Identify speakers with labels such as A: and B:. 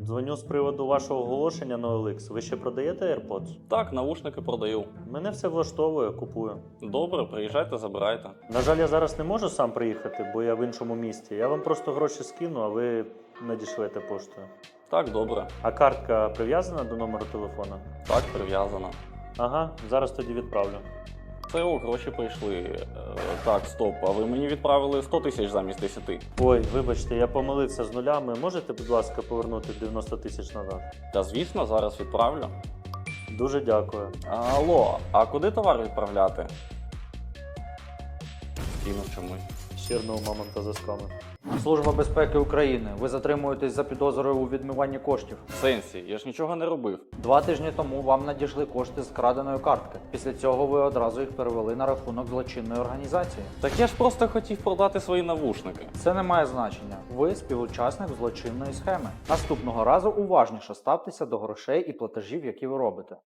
A: Дзвоню з приводу вашого оголошення на OLX. Ви ще продаєте AirPods?
B: Так, навушники продаю.
A: Мене все влаштовує, купую.
B: Добре, приїжджайте, забирайте.
A: На жаль, я зараз не можу сам приїхати, бо я в іншому місті. Я вам просто гроші скину, а ви надішлете поштою.
B: Так, добре.
A: А картка прив'язана до номеру телефона?
B: Так, прив'язано.
A: Ага, зараз тоді відправлю.
B: Це гроші прийшли. Так, стоп, а ви мені відправили 100 тисяч замість 10.
A: Ой, вибачте, я помилився з нулями. Можете, будь ласка, повернути 90 тисяч назад?
B: Та звісно, зараз відправлю.
A: Дуже дякую.
B: Алло, а куди товар відправляти? Скинув чомусь.
A: Щирного мамонта за сками.
C: Служба безпеки України. Ви затримуєтесь за підозрою у відмиванні коштів.
B: В сенсі, я ж нічого не робив.
C: 2 тижні тому вам надійшли кошти з краденої картки. Після цього ви одразу їх перевели на рахунок злочинної організації.
B: Так я ж просто хотів продати свої навушники.
C: Це не має значення. Ви співучасник злочинної схеми. Наступного разу уважніше ставтеся до грошей і платежів, які ви робите.